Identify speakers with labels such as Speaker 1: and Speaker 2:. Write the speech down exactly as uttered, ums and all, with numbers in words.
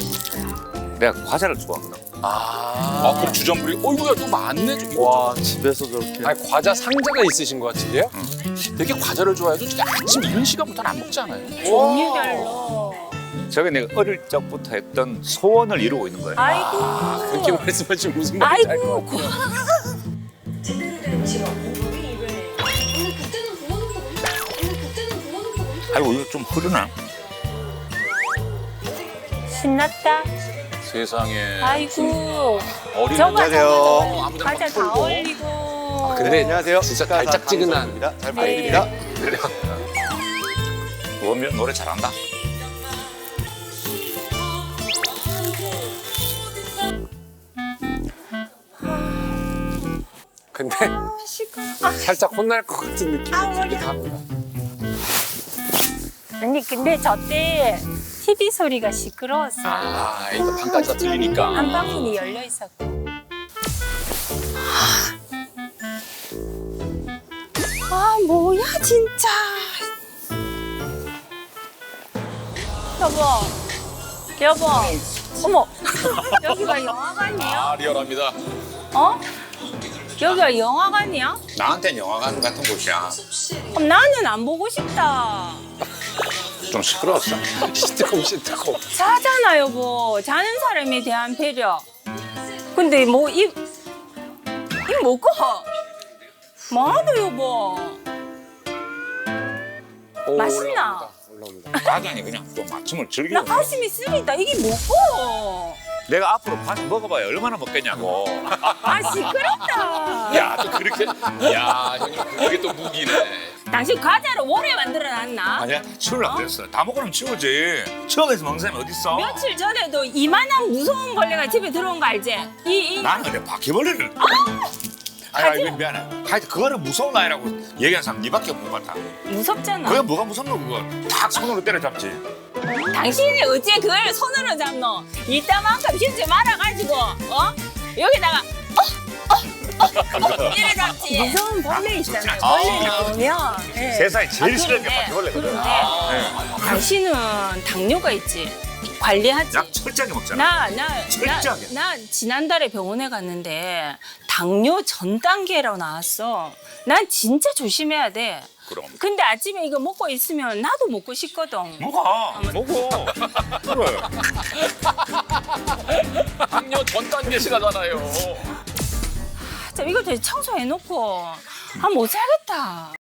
Speaker 1: 내가 과자를 좋아하거든.
Speaker 2: 아,
Speaker 3: 아, 그럼 주전부리. 어이구야, 또 많네. 좀.
Speaker 2: 와, 집에서 저렇게.
Speaker 3: 아니, 과자 상자가 있으신 것 같은데요? 되게 과자를 좋아해도 진짜 아침 이른 시간부터는 안 먹지 않아요?
Speaker 4: 종류별로.
Speaker 1: 저게 내가 어릴 적부터 했던 소원을 이루고 있는 거예요.
Speaker 4: 아이고.
Speaker 3: 그렇게 말씀하시면 무슨 말인지 알 것
Speaker 4: 아이고.
Speaker 3: 같아요.
Speaker 5: 제대로 된 직업. 우리 입을. 근데 그때는 부모님도 엄청. 근데 그때는 부모님도 엄청.
Speaker 1: 아이고 이거 좀 흐르나?
Speaker 4: 신났다.
Speaker 3: 세상에.
Speaker 4: 아이고.
Speaker 3: 어린
Speaker 4: 저거
Speaker 2: 안녕하세요.
Speaker 4: 저거
Speaker 3: 아무데나
Speaker 4: 과자
Speaker 3: 막
Speaker 4: 다
Speaker 3: 털고.
Speaker 4: 올리고.
Speaker 3: 근데
Speaker 2: 안녕하세요.
Speaker 3: 진짜
Speaker 2: 축하사
Speaker 3: 달짝지근한.
Speaker 2: 강성입니다. 잘
Speaker 4: 네.
Speaker 2: 부탁드립니다.
Speaker 1: 원면 노래 잘한다.
Speaker 3: 근데
Speaker 4: 아,
Speaker 3: 살짝 혼날 것 같은 느낌이
Speaker 4: 아,
Speaker 3: 들기도
Speaker 4: 머리야.
Speaker 3: 합니다.
Speaker 4: 아니 근데 저 때 티비 소리가 시끄러웠어.
Speaker 3: 아, 이거 방까지가 들리니까.
Speaker 4: 안방문이 열려 있었고. 아 뭐야 진짜. 여보, 여보, 어머, 여기가 영화관이야?
Speaker 3: 아, 리얼합니다.
Speaker 4: 어? 여기가 영화관이야?
Speaker 1: 나한테는 영화관 같은 곳이야.
Speaker 4: 그럼 나는 안 보고 싶다.
Speaker 1: 좀 시끄러웠어.
Speaker 3: 시트콤, 시트콤.
Speaker 4: 자잖아 여보. 자는 사람에 대한 배려. 근데 뭐 이, 이 뭐고? 뭐하노 여보?
Speaker 3: 오,
Speaker 4: 맛있나?
Speaker 3: 올라옵니다. 올라옵니다.
Speaker 1: 과자니 그냥 좀 아침을
Speaker 4: 나
Speaker 1: 즐기고.
Speaker 4: 가슴이 쓰리다. 이게 뭐고?
Speaker 1: 내가 앞으로 과자 먹어봐야 얼마나 먹겠냐고.
Speaker 4: 아 시끄럽다.
Speaker 3: 야, 또 그렇게. 야, 형님, 그게 또 무기네.
Speaker 4: 당신 과자를 오래 만들어놨나?
Speaker 1: 아니야 치우려고 그랬어. 다 먹으면 치우지. 추억에서 먹는 사람이 어딨어?
Speaker 4: 며칠 전에도 이만한 무서운 벌레가 집에 들어온 거 알지? 이, 이
Speaker 1: 나는 근데 바퀴벌레를. 아니, 아니 미안해. 하여튼 그거는 무서운 아이라고 얘기한 사람 니밖에 없는 것 같아.
Speaker 4: 무섭잖아.
Speaker 1: 그게 뭐가 무섭노 그거. 탁 손으로 때려잡지.
Speaker 4: 당신이 어째 그걸 손으로 잡노? 이따만큼 힘좀 말아가지고 어? 여기다가 어? 어? 어? 이래 잡지. 무서운 벌레 있잖아요.
Speaker 1: 아,
Speaker 4: 벌레 나오면 네.
Speaker 1: 세상에 제일
Speaker 4: 아,
Speaker 1: 싫어하는 게
Speaker 4: 그런데,
Speaker 1: 바퀴벌레거든.
Speaker 4: 그런데
Speaker 1: 네.
Speaker 4: 당신은 당뇨가 있지. 관리하지.
Speaker 1: 약 철저하게 먹잖아.
Speaker 4: 나, 나, 나,
Speaker 1: 철저하게.
Speaker 4: 나 지난달에 병원에 갔는데 당뇨 전 단계라고 나왔어. 난 진짜 조심해야 돼.
Speaker 1: 그럼.
Speaker 4: 근데 아침에 이거 먹고 있으면 나도 먹고 싶거든.
Speaker 1: 먹어. 먹어. 그래.
Speaker 3: 당뇨 전 단계 시가잖아요.
Speaker 4: 아, 참, 이거 다시 청소해놓고 아 못 살겠다.